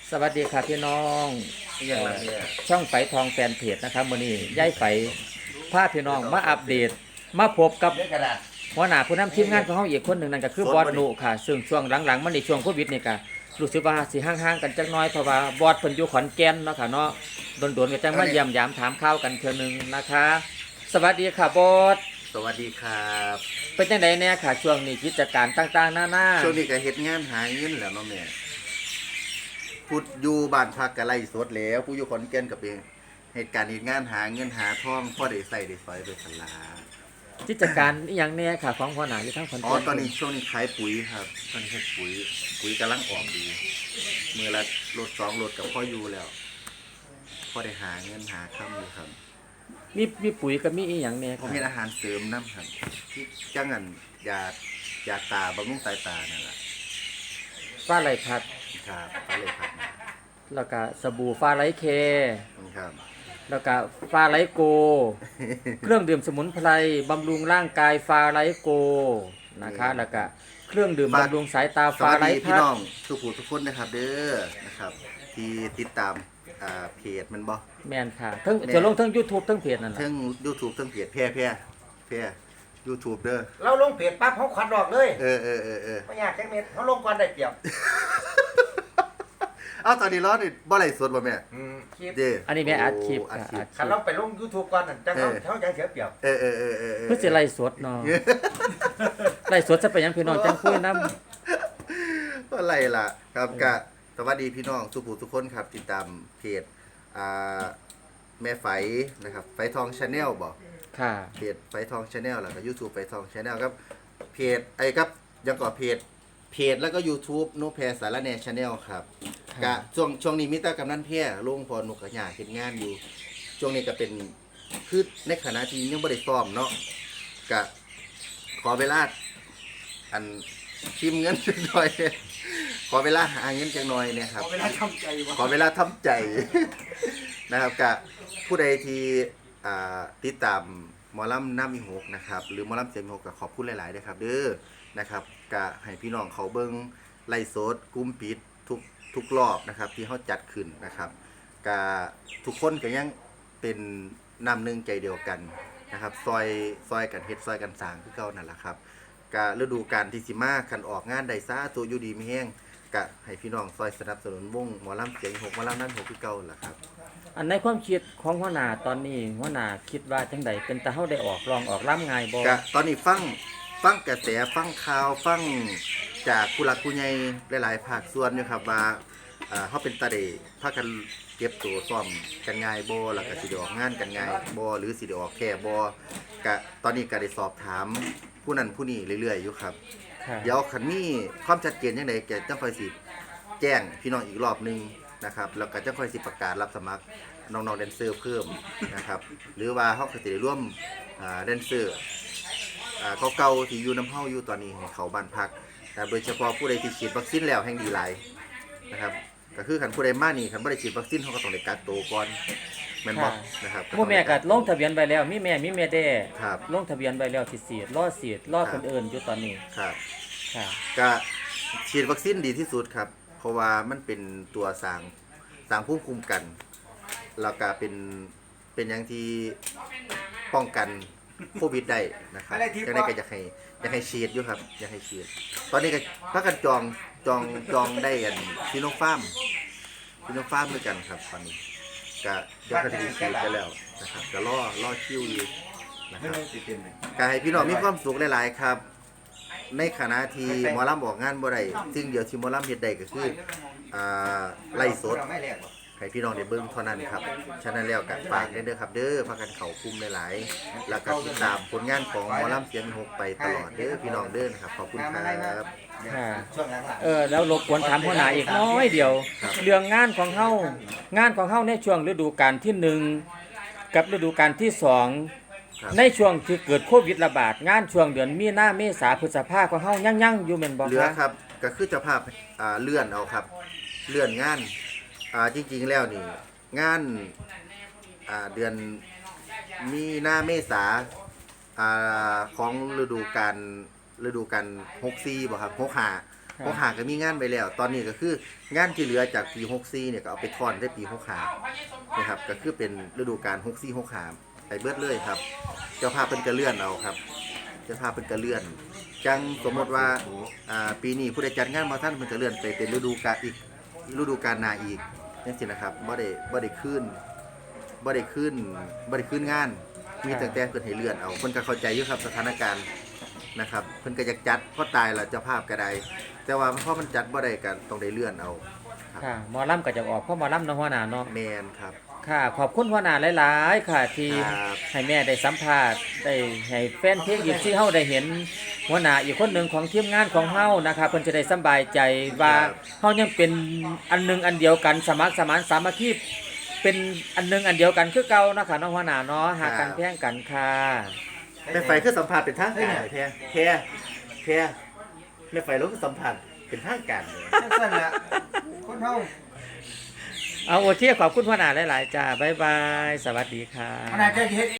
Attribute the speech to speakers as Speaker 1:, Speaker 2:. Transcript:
Speaker 1: สวัสดีครับพี่น้อง
Speaker 2: อย่างไรเนี่ย
Speaker 1: ช่องไฝทองแฟนเพจนะครับมื้อนี้ย้ายไฝพาพี่น้องมาอัปเดตมาพบกับ
Speaker 2: เลือกกระดาษ
Speaker 1: หัวหน้าผู้นำทีมงานของเฮาอีกคนหนึ่งนั่นก็คือบอสนุค่ะซึ่งช่วงหลังๆมันในช่วงโควิดนี่ก็รู้สึกว่าสิห่างๆกันจักหน่อยเพราะว่าบอสเพิ่นอยู่ขอนแก่นเนาะค่ะเนาะโดนๆก็จังมาเยี่ยมยามถามข่าวกันเทื่อนึงนะคะ สวัสดีค่ะบอส
Speaker 2: สวัสดีครับ
Speaker 1: เป็นจังไดแน่ค่ะช่วงนี้กิจการต่างๆนานา
Speaker 2: ช่วงนี้ก็เฮ็ดงานหาเงินแหล้วเนาะแม่พูดอยู่บ้านพักก็ไล่สดแล้วผู้อยู่ขอนแก่นก็เป็นเหตุการณ์เฮ็ดงานหาเงินหาทองพอได้ใส่ได้สอยไปสลา
Speaker 1: กิจการอีหยังแน่ค่ะของหัวหน้าอยู่ทางขอน
Speaker 2: อ๋อ
Speaker 1: แก่น
Speaker 2: ตอนนี้ช่วงนี้ขายปุ๋ยครับตอนนี้เฮ็ดปุ๋ยกำลังออกดีมือละรถ2รถกับพ่ออยู่แล้วพอได้หาเงินหาค่ำอยู่ครับ
Speaker 1: มีปุ๋ยกับมีอีหยังแน่
Speaker 2: ผม
Speaker 1: ค่ะ
Speaker 2: เฮ็ดอาหารเสริมนำครับที่จังอันยาตาบำรุงสายตานั่นล่ะ
Speaker 1: ฟ้าไหลผัด
Speaker 2: ครับก็เลยครับ
Speaker 1: แล้วก็สบู่ฟ้าไหลเค
Speaker 2: ครับ
Speaker 1: แล้วก็ฟ้าไหลโก เครื่องดื่มสมุนไพรบำรุงร่างกายฟ้าไหลโกนะคะแล้วก็เครื่องดื่มบำรุงสายตา
Speaker 2: ส
Speaker 1: ฟ้า
Speaker 2: วัส
Speaker 1: ไหล
Speaker 2: ดีพี่
Speaker 1: พัด
Speaker 2: น้องทุกผู้ทุกคนนะครับเด้อนะครับที่ติดตามเพจมันบ่
Speaker 1: แม่นค่ะทั้งจะลงทั้ง YouTube ทั้งเพจนั่นแหละ
Speaker 2: ทั้ง YouTube ทั้งเพจแพร่ YouTube เด้อ
Speaker 3: เราลงเพจปั๊บเขาขวัญออกเลยไม่อยากแค่เม็ดเขาลงก่อนได้เปรียบ
Speaker 2: เอ้าตอนนี้ร้อนนี่บ่ไลฟ์สดบ่แม่
Speaker 3: คลิป
Speaker 2: เด้อ
Speaker 1: อันนี้แม่อัดคลิป
Speaker 2: อัด
Speaker 1: ค่ะ
Speaker 2: คลิ
Speaker 1: อั
Speaker 2: ป
Speaker 1: ดค
Speaker 3: คัน
Speaker 1: ลิ
Speaker 3: เรา
Speaker 1: ป
Speaker 3: ไปลง YouTube ก่อนนั่นจังเขาจะเสียเปรียบ
Speaker 2: เออ
Speaker 1: เพื่อสิไล่สดเนาะไล่สดจะไปหยังพี่น้องจังคุยนำ
Speaker 2: อะไรล่ะครับก็สวัสดีพี่น้องทุกผู้ทุกคนครับติดตามเพจอ่าแม่ไฝนะครับไฝทอง Channel บ่
Speaker 1: ค่ะ
Speaker 2: เพจไฟทอง Channel แล้วก็ YouTube ไฟทอง Channel ครับเพจไอ้ครับยังก่อเพจแล้วก็ YouTube นุแพรสารแหน่ Channel ครับกะช่วงนี้มีแต่กำนันแพร่ลงพอนุกกะหยาเฮ็ดงานอยู่ช่วงนี้ก็เป็นคือในขณะที่ยังบ่ได้ซ้อมเนาะกะขอเวลาอันพิมพ์เงินจักหน่อย ขอเวลาหาเงินจักหน่อยเนี่ยครับ
Speaker 3: เอาเวลาทำใจวะ
Speaker 2: ขอเวลาทำใจ นะครับกะผู้ใดที่ติดตามหมอลำน้ำมีหกนะครับหรือหมอลำเสียงมีหกก็ขอบคุณหลายๆด้วยครับเด้อนะครับกะให้พี่น้องเขาเบิ้งไล่สดกลุ้มปิดทุกรอบนะครับที่เขาจัดขึ้นนะครับกะทุกคนก็ยังเป็นน้ำหนึ่งใจเดียวกันนะครับซอยกันเฮ็ดซอยกันสร้างคือเก่านั่นแหละครับกะฤดูกาลที่สิมาคันออกงานใดซ่าตัวอยู่ดีไม่แห้งกะให้พี่น้องซอยสนับสนุนวงหมอลำเสียงหกหมอลำนั้นหกคือเก่าล่ะครับ
Speaker 1: อันในความคิดของหัวหน้าตอนนี้หัวหน้าคิดว่าจังใดเป็นตาเฮาได้ออกลองออกล่ำง่ายบ่
Speaker 2: กะตอนนี้ฟังกระแสฟังข่าวฟังจากผู้หลักผู้ใหญ่หลายๆภาคส่วนอยู่ครับว่าเฮาเป็นตาเดพากันเก็บตัวซ่อมกันง่ายบ่แล้วก็สิได้ออกงานกันง่ายบ่หรือสิได้ออกแค่บ่กะตอนนี้ก็ได้สอบถามผู้นั้นผู้นี้เรื่อยๆอยู่ครับ
Speaker 1: ค่ะ
Speaker 2: เดี๋ยวคันมีความชัดเจนจังไดก็จะค่อยสิแจ้งพี่น้องอีกรอบหนึงนะครับแล้วก็จะค่อยสิประกาศรับสมัครน้องๆแดนเซอร์เพิ่มนะครับหรือว่าเฮาก็สิได้ร่วมแดนเซอร์เก่าๆที่อยู่น้ำเฮาอยู่ตอนนี้ให้เขาบ้านพักแต่โดยเฉพาะผู้ใดที่ฉีดวัคซีนแล้วแห่งดีหลายนะครับก็คือคันผู้ใดมานี่คันบ่ได้ฉีดวัคซีนเขาก็ต้องได้กักตัวก่อนแม่นบ่นะครับ
Speaker 1: หมู่แม่ก็ลงทะเบียนไว้แล้วมีแม่มีแม่แด้
Speaker 2: ครับ
Speaker 1: ลงทะเบียนไว้แล้วสิฉีดรอฉีดรอคนอื่นอยู่ตอนนี้
Speaker 2: ครับ
Speaker 1: ค่ะ
Speaker 2: ก็ฉีดวัคซีนดีที่สุดครับเพราะว่ามันเป็นตัวสร้างภูมิคุ้มกันแล้วก็เป็นอย่างที่ป้องกันโควิดได้นะครับจังได๋ก็อยากให้ฉีดอยู่ครับอยากให้ฉีดตอนนี้ก็พากันจองได้กันซิโนฟาร์มด้วยกันครับตอนนี้ก็เดี๋ยวก็จะฉีดไปแล้วนะครับก็รอคิวอยู่นะครับก็ให้พี่น้องมีความสุขหลายๆครับ ในขณะที่หมอลำออกงานบ่ได้สิ่งเดียวที่หมอลำเฮ็ดได้ก็คือไล่สดให้พี่น้องได้เบิ่งเท่านั้นครับฉะนั้นแล้วก็ฝากเด้อครับเด้อพากันเข้ากลุ่มหลายๆแล้วก็ติดตามผลงานของหมอลำเสียงหกไปตลอดเด้อพี่น้องเด้อนะครับขอบคุณครับ
Speaker 1: ค่ะ
Speaker 3: ช่วงหลัง
Speaker 1: แล้วรบกวนถามหัวหน้าอีกน้อยเดียว
Speaker 2: ครับ
Speaker 1: เรื่องงานของเฮในช่วงฤดูกาลที่หนึ่งกับฤดูกาลที่สองในช่วงที่เกิดโควิดระบาดงานช่วงเดือนมีนาเมษาพฤษภาของเฮายังอยู่แม่นบ่
Speaker 2: เหลือ
Speaker 1: คะ
Speaker 2: ครับก็คือเจ้าภาพเลื่อนเอาครับเลื่อนงานจริงๆแล้วนี่งานเดือนมีนาเมษาของฤดูกาล64บ่ครับพอหาก็มีงานไปแล้ว ตอนนี้ก็คืองานที่เหลือจากปี64เนี่ยก็เอาไปทอนได้ปี65นะครับก็คือเป็นฤดูกาล64 65ไปเบิดเลยครับ เจ้าภาพเพิ่นก็เลื่อนเอาครับ เจ้าภาพเพิ่นก็เลื่อน จังสมมติว่าปีนี้ผู้ใดจัดงานบ่ทันเพิ่นก็เลื่อนไปเป็นฤดูกาลอีกฤดูกาลหน้าอีกจังซี่นะครับบ่ได้คืนงาน มีตั้งแต่เพิ่นให้เลื่อนเอาเพิ่นก็เข้าใจอยู่ครับสถานการณ์นะครับเพิ่นก็อยากจัดพอตายแล้วเจ้าภาพก็ได้แต่ว่าพอมันจัดบ่ได้ก็ต้องได้เลื่อนเอาครับ
Speaker 1: ค่ะหมอลำก็จะออกเพราะหมอลำเนาะหัวหน้าเนาะ
Speaker 2: แม่นครับ
Speaker 1: ค่ะขอบคุณหัวหน้าหลายๆค่ะที่
Speaker 2: ครับ
Speaker 1: ให้แม่ได้สัมภาษณ์ได้ให้แฟนเพลงอีกที่เฮาได้เห็นหัวหน้าอีกคนหนึ่งของทีมงานของเฮานะคะเพิ่นจะได้สำบายใจว่าเฮายังเป็นอันหนึงอันเดียวกันสมัครสมานสามัคคีเป็นอันหนึงอันเดียวกันคือเก่านะคะเนาะหัวหน้าเนาะหากันแพงกันค่ะ
Speaker 2: แม่ไฟคือสัมภาษณ์เป็นทางการเลยแพ้แม่ไฟรู้คือสัมภาษณ์เป็นทางการเลย
Speaker 3: สั้นๆละคนเฮา
Speaker 1: เอาโอเคขอบคุณหัวหน้าหลายๆจ้าบ๊ายบายสวัสดีค่ะ
Speaker 3: ขนาดจะเฮ็ด